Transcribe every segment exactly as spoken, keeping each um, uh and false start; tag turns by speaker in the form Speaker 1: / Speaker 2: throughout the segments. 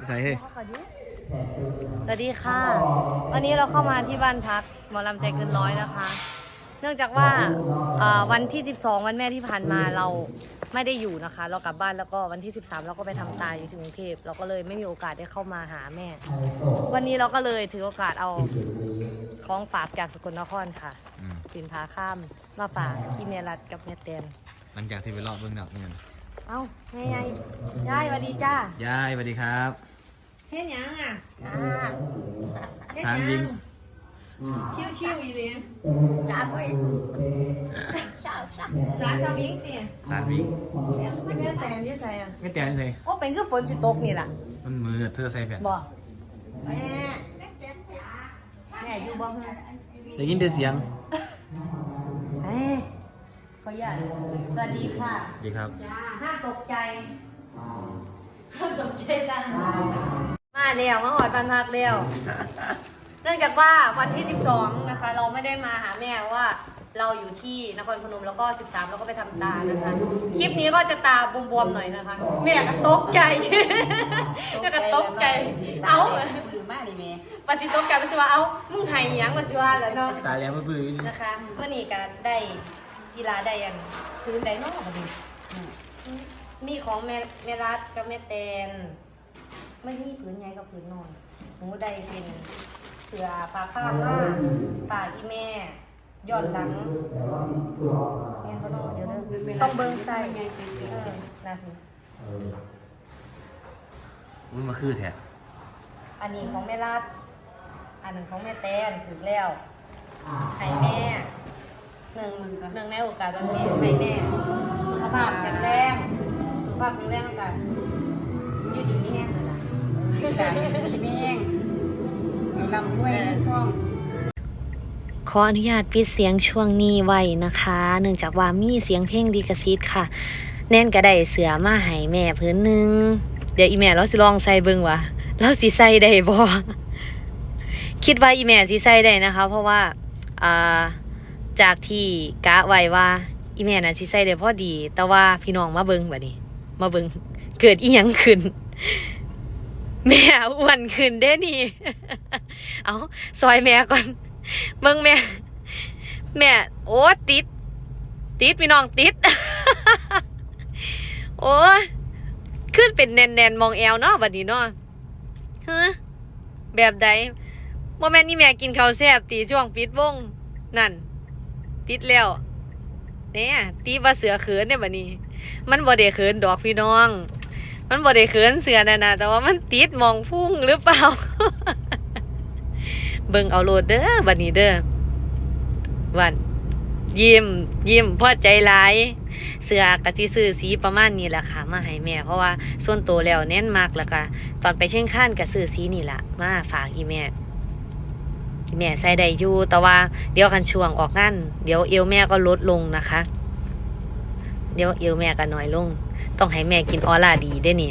Speaker 1: ใส่เฮ้ย
Speaker 2: สวัสดีค่ะวันนี้เราเข้ามาที่บ้านพักหมอลำใจเกินร้อยนะคะ เนื่องจากว่าวันที่สิบสองวันแม่ที่ผ่านมาเราไม่ได้อยู่นะคะ เรากลับบ้านแล้วก็วันที่สิบสามเราก็ไปทำตาอยู่ที่กรุงเทพเราก็เลยไม่มีโอกาสได้เข้ามาหาแม่ วันนี้เราก็เลยถือโอกาสเอาของฝากจากสกลนครค่ะสินพาข้ามมาฝากพี่เมรัตกับแม่เต็ม
Speaker 1: หลังจากที่ไปรอบเบื้องหนักเนี่ย
Speaker 2: เอ้าไงไงยายสวัสดีจ้าย
Speaker 1: ายสวัสดีครับ
Speaker 2: เฮ็ดยังอ่ะ
Speaker 1: สามยิง
Speaker 2: ชิวชิวอีเลย
Speaker 3: สามวิสามสาม
Speaker 2: สามชาวยิงเตี๋ย
Speaker 1: สามยิง
Speaker 2: ไม่แม่แต่ที่ใส่อ่ะ
Speaker 1: ไม่แต่ใส่
Speaker 2: โอ้เป็นคือฝนสิตกนี่แหละ
Speaker 1: มันมือเธอใส่แบบ
Speaker 2: บ่แม่แม่อยู่บ้าง
Speaker 1: ได้ยินแต่เสียง
Speaker 2: เฮ้ยขออนุญาตสวัสดีค่ะ
Speaker 1: ดีครับ
Speaker 2: ห้ามตกใจห้ามตกใจดังมาเร็วมาหอตันทักเร็วเนื่องจากว่าวันที่สิบสองนะคะเราไม่ได้มาหาแม่ว่าเราอยู่ที่นครพนมแล้วก็สิบสามเราก็ไปทำตานะคะคลิปนี้ก็จะตาบวมๆหน่อยนะคะแม่ก็ตกใจแม่ก็ตกใจเอ้า
Speaker 3: คือมากเลยแม่
Speaker 2: ปฏิตกใจปฏิว่าเอ้ามึงไห้ยังปฏิว่าเลยเนาะ
Speaker 1: ตาแล้วมือปื้
Speaker 2: นะคะเมื่อนี้ก็ได้กีฬาได้ยังพื้นได้นอกพอดีมีของแม่แม่รัดกับแม่แตนไม่มีผืนใหญ่กับผืนนอนหนูได้เป็นเสือปลาข้าวผ้าปลาอีแม่ย้อนหลังแม่เขานอนเดี๋ยวเด้อต้องเบิ้งใส่ไงเป็นเสือนะที
Speaker 1: อุ้ยมาคือแท้
Speaker 2: อันนี้ของแม่รัดอันหนึ่งของแม่แตนถึงแล้วให้แม่หนึ่งหนึ่งในโอกาสวันแม่ให้แม่สุขภาพแข็งแรงสุขภาพแข็งแรงกันยืดดีไม่แห้งเลยนะ
Speaker 3: ยืดดีไม่แห้งไอ้ลำด้วยเรื่องท้อง
Speaker 2: ขออนุญาตปิดเสียงช่วงนี้ไว้นะคะเนื่องจากว่ามีเสียงเพลงดีกระซิดค่ะแน่นกระไดเสือมาให้แม่พื้นหนึ่งเดี๋ยวอีแม่เราสิลองใส่เบิ่งวะเราสิใส่ได้บ่คิดว่าอีแม่สิใส่ได้นะคะเพราะว่าอ่าจากที่กะไว้ว่าอีแม่น่ะสิใส่ได้พอดีแต่ว่าพี่น้องมาเบิ่งบัดนี้มาเบิ่งเกิดอีหยังขึ้นแม่อ้วนขึ้นเด้นี่เอาซอยแม่ก่อนเบิ่งแม่แม่โอ้ติดติดพี่น้องติดโอ้ขึ้นเป็นแน่นๆมองแอวเนาะบัดนี้เนาะฮะแบบใดบ่แม่นนี่แม่กินข้าวแซ่บตีช่วงปิดวงนั่นติดแล้วเนี่ยตีว่าเสือเขินเนี่ยบัดนี้มันบ่ได้เขินดอกพี่น้องมันบ่ได้เขินเสือน่ะนะแต่ว่ามันติดมองพุ่งหรือเปล่าเบิ่งเอาโลดเด้อบัดนี้เด้อวันยิ้มยิ้มพอใจหลายเสื้อกะสิซื้อสีประมาณนี้แหละค่ะมาให้แม่เพราะว่าส่วนตัวแล้วเน้นมากแล้วก็ตอนไปเชียงคานก็ซื้อสีนี่ล่ะมาฝากอีแม่อีแม่ใส่ได้อยู่แต่ว่าเดี๋ยวกันช่วงออกงานเดี๋ยวเอวแม่ก็ลดลงนะคะเดี๋ยวเอวแม่ก็น้อยลงต้องให้แม่กินออร่าดีได้นี่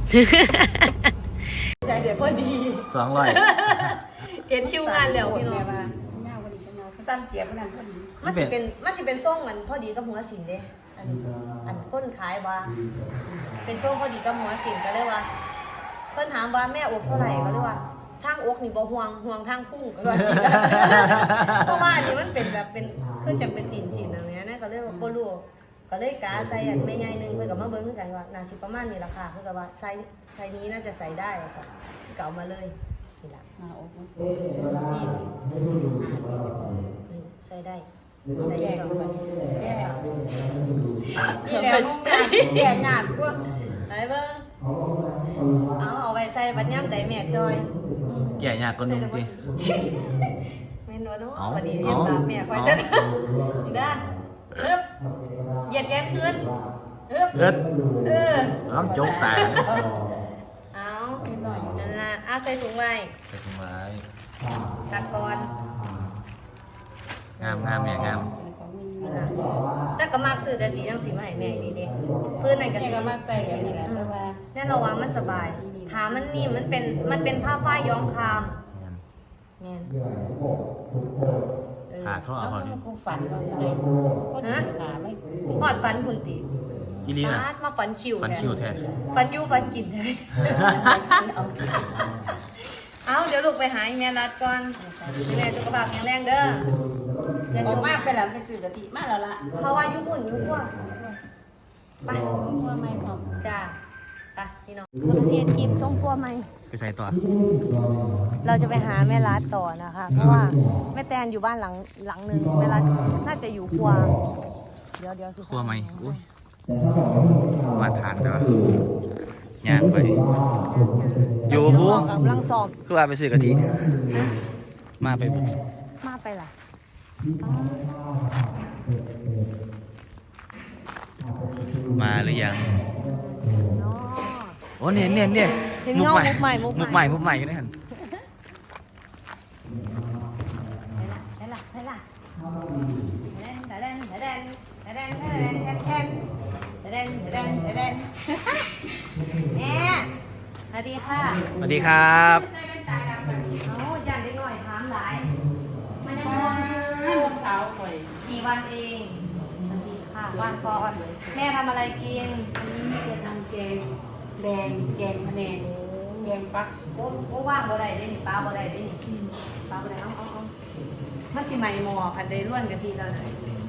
Speaker 2: ใส่เดี๋ยวพอดี
Speaker 1: สองร้อย
Speaker 2: เห็นคิวงานแล้วพี่น้อง
Speaker 3: สั้นเสียเหมือนกันพอดี
Speaker 2: มันจะเป็นมันจะเป็นส่งมันพอดีกับหัวสินเด้อันอันคนขายว่าเป็นส่งพอดีกับหัวสินก็เลยว่าเพิ่นถามว่าแม่อกเท่าไหร่ก็เลยว่าทางอกนี่บ่ห่วงห่วงทางพุ่งก็ว่าสิเพราะว่าอันนี้มันเป็นแบบเป็นคือจะเป็นตีนสินอะไรเงี้ยนะก็เลยบ่รู้ก็เลยกาใส่อันไม่ใหญ่นึงเพิ่นก็มาเบิ่งคือกันว่าน่าสิประมาณนี้ราคาเพิ่นก็ว่าใส่ใส่นี้น่าจะใส่ได้อ่ะก็เอามาเลยนี่ล่ะ
Speaker 3: หน้าอกสี่สิบห้าสี่สิบ
Speaker 2: ใส่ได้
Speaker 3: แก่คือวันนี้แก่นี่แล้วแก่งานกว่า
Speaker 2: ไหนเบิ่งเอาเอาไว้ใส่บัดย่ำได้แม่จอย
Speaker 1: แก่ยากคนนึงจริง
Speaker 2: แม่นวลเนาะวันนี้เรียนตามแม่คอยเต้นนี่นะฮึบเหยียดแขนขึ้นฮึบ
Speaker 1: เอิด
Speaker 2: เออ
Speaker 1: น้องโจ๊กตา
Speaker 2: เอานั่นล่ะเอาใส่ถุงไว้
Speaker 1: ใส่ถุงไว้
Speaker 2: ตักก่อน
Speaker 1: งามงามแม่งาม
Speaker 2: แต่ก็มากซื้อแต่สีน้ำสีมาให้แม่ดีดิเพื่อนไหนก็ซื้อ
Speaker 3: มาใส่แบบนี้แหละเพราะว่า
Speaker 2: แน่นอนว่ามันสบายหามันนี่มันเป็นมันเป็นผ้าฝ้ายย้อมคามเนี่ย
Speaker 1: หาท่อเอาพอดี
Speaker 3: กูฝันว่าเลยก็ถือหาไม่
Speaker 2: หอดฟันพุ่นตี
Speaker 1: อีลีน่ะ
Speaker 2: ฟาดมาฝันคิว
Speaker 1: ฟันคิวแท้
Speaker 2: ฝันอยูฝันกินแท้เอาเดี๋ยวลูกไปหาอีแม่รัดก่อนแม่สุขภาพแข็งแรงเด้อ
Speaker 3: ออกมาไปแล้วไปซื้อกะทิมาแล้วล่ะ
Speaker 2: เขาว่ายุ่งหุ่นยุ่งว่าไป
Speaker 3: มึงกลัวไหมพร้อม
Speaker 2: จ้าไปพี่น้องประเทศคลิปช่องพัวไหม
Speaker 1: ไปใส่ต่อ
Speaker 2: เราจะไปหาแม่รัดต่อนะคะ เพราะว่าแม่แตนอยู่บ้านหลังหลังหนึ่งแม่รัดน่าจะอยู่ครัวเดี๋ยวเดี๋ยว
Speaker 1: ครัวไหมอุ้ยมาทานเด้อย่างไปอยู่
Speaker 2: ผู้
Speaker 1: ผู้
Speaker 2: กำลังสอบ
Speaker 1: คือว่าไปซื้อกะทิมาไปบ่
Speaker 2: มาไปล่ะ
Speaker 1: มาหรือยัง
Speaker 2: เนาะ
Speaker 1: โอ้เนี่ยเนี่ยเนี่ย
Speaker 2: เห็นเงามุกใหม่มุ
Speaker 1: มุ
Speaker 2: ก
Speaker 1: ก
Speaker 2: ให
Speaker 1: ให
Speaker 2: ม่
Speaker 1: ม่มุกใหม่กันได้หัน
Speaker 2: ไปล่ะไปล่ะไปล่ะแดนแดนแดนแดนแดนแดนแดนแดนแดนแดนแม่สวัสดีค่ะ
Speaker 1: สวัสดีครับ
Speaker 2: เอาจานเล็กหน่อยถามหลายมายังไง
Speaker 3: ลูกสาวข่อย
Speaker 2: กี่วันเองสวัสดีค่ะวันก่อนแม่ทำอะไรกิน
Speaker 3: อันนี้จะทำแกงแดงแกงพะแนงแกงปัก
Speaker 2: โอ้โอ้ว่างบ่ได้ได้นี่ป้าบ่ได้ได้นี่ป้าบ่ได้เอาเอาเอามันสิใหม่หมอคันได้ร่วนกะทิแล้วนะ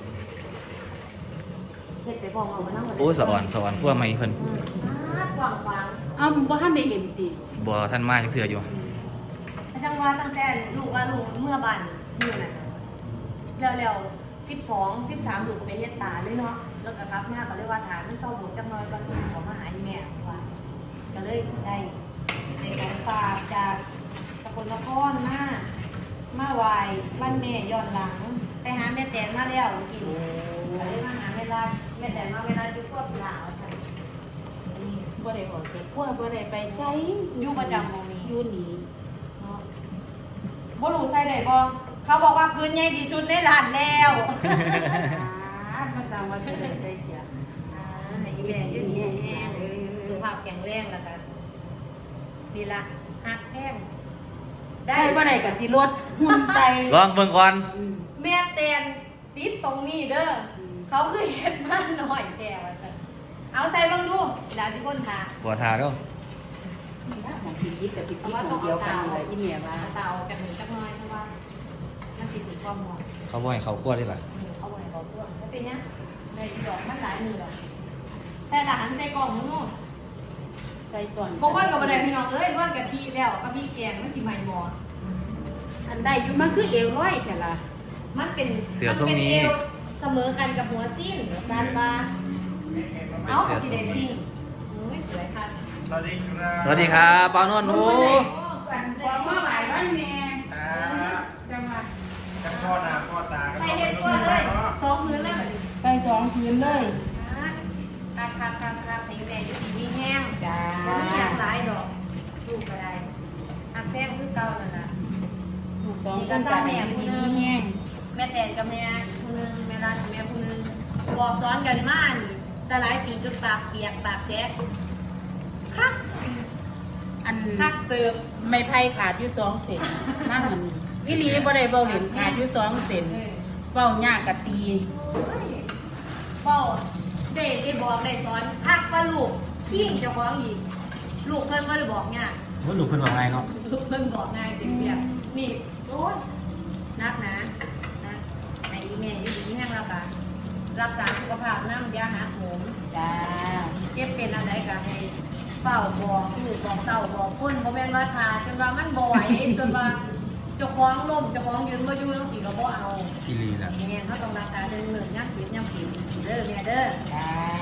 Speaker 2: เฮ็ดไปพองเอามานั่งบ่ได้
Speaker 1: โอ้สะอ่อนสะอ่อนพวกใหม่เพิ่น
Speaker 2: อ่ากว้างกว้าง
Speaker 3: เอ้าบ่ทันได้เห็นติ
Speaker 1: บ่ท่านมาจักเทื่ออยู่
Speaker 2: อาจังว่าตั้งแต่ลูกว่าลูกเมื่อบ้านอยู่น่ะแล้วแล้วสิบสอง สิบสามลูกก็ไปเฮ็ดตาเลยเนาะแล้วก็กลับมาก็เลยว่าถามมันเศร้าโบจังน้อยก็ขอมาหาอีแม่ว่าก็เลยได้ได้ของฝากจากสกลนครมามาไหว้บ้านแม่ย้อนหลัง ไปหาแม่แตนมาแล้วกินก็เลยมาหาแม่ลาดแม่แตนมาเวลาอยู่ครอบลาวค่ะอันนี้
Speaker 3: บ่ได้ออกไปคั่วบ่ได้ไปใช้
Speaker 2: อยู่ประจำหมองนี้
Speaker 3: อยู่นี่
Speaker 2: เนาะบ่รู้ใส่ได้บ่เขาบอกว่าพื้นใหญ่ที่สุดในร้านแล้ว
Speaker 3: อ่ามาจังว่าสิได้ใส่เสีย
Speaker 2: อ่าให้อีแม่อยู่ดีแห้งสุขภาพแข็งแรงแล้วกันนี่ล่ะหักแห้ง
Speaker 3: ได้บ่ได้ก็สิลดหุ่นใส่
Speaker 1: ลองเบิ่งก่อน
Speaker 3: อืม
Speaker 2: แม่แตนติดตรงนี้เด้อเขาคือเฮ็ดบ้านน้อยแท้ว่าซั่นเอาใส่เบิ่งดูหลานสิคนหา
Speaker 1: บ่ทาเด้อ
Speaker 3: ของพี่จิ๊บกับพี่จิ๊บของเดียวกันเลยอีเมียว่า
Speaker 2: เอาเตาออกจากหนึ่งจักหน่อยเพราะว่ามันสิถึงความร้อน
Speaker 1: เขาบ่ให้เขาคั่วได้ล่ะ
Speaker 2: เอาไว้บอกตัวแล้วเป็นยังในดอกมันหลายมือหรอกใส่หลานใส่กล่องนู้น
Speaker 3: ใส่ก่อน
Speaker 2: บางคนกับบันไดพี่น้องเอ้ยร่วนกะทิแล้วก็พี่แกงมันสิใหม่หมอ
Speaker 3: อันใดอยู่มันคือเอวร้อยแต่ละ
Speaker 2: มันเป็น
Speaker 1: เสือ
Speaker 2: มั
Speaker 1: ทรง
Speaker 2: เป็น
Speaker 1: นี้
Speaker 2: เอวเสมอกันกับหัวสิ้นซานบาเอ้าสิได้สิ้นโอ้ยสวยค่ะ
Speaker 4: สวัสดีครับ
Speaker 1: สวัสดีครับป้านวลโอ้
Speaker 2: โอ้
Speaker 3: กันความว่าหมายว่าแม่จังหวะ
Speaker 4: จะพ่อนาพ่อตา
Speaker 2: ใส่เด็ดกว่าเลยสองพื้นเลย
Speaker 3: ใส่สองพื้นเลย
Speaker 2: คักคักคักคักให้แม่อยู่ดีมีแห้ง
Speaker 3: จ้า
Speaker 2: ก็มีอย่างหลายดอกลูกก็ได้หักแพงคือเก่านั่นล่ะ
Speaker 3: ถูกต้องกันจากแม่ผู้นี้แห้ง
Speaker 2: แม่แตนกับแม่ผู้หนึงแม่ร้านกับแม่ผู้หนึงบอกสอนกันมานี่แต่หลายปีจนปากเปียกปากแฉะคัก
Speaker 3: อัน
Speaker 2: คักเติบ
Speaker 3: ไม่ไผ่ขาดอยู่สองเซนนั่งอันวิลีบ่ได้เบาเหรียญขาดอยู่สองเซนเบ้ายากกะตี
Speaker 2: เป้าได้ได้บอกได้สอนคักว่าลูกขิ้งเจ้าของอีกลูกเพิ่นบ่ได้บอกง่าย
Speaker 1: ว่าหนูเพิ่นว่าไงเนาะ
Speaker 2: ลูกเพิ่นบอกง่ายเปียกๆนี่โอ้ยนักนะนะไอ้อีแม่อยู่ที่แห้งแล้วก็รักษาสุขภาพน้ำยาหาโหม
Speaker 3: จ้า
Speaker 2: เก็บเป็นอะไรก็ให้เฝ้าบอกลูกบอกเต่าบอกคนบ่แม่นว่าทาจนว่ามันบ่ไหว จนว่าเจ้าของล้มเจ้าของยืนบ่อยู่จังซี่ก็บ่เอา
Speaker 1: อีหลีล่ะ
Speaker 2: แม่นเฮาต้องรักษาเดินเนินย่ำผิดย่ำผิดเด้อแม่เด้อ
Speaker 3: จ้า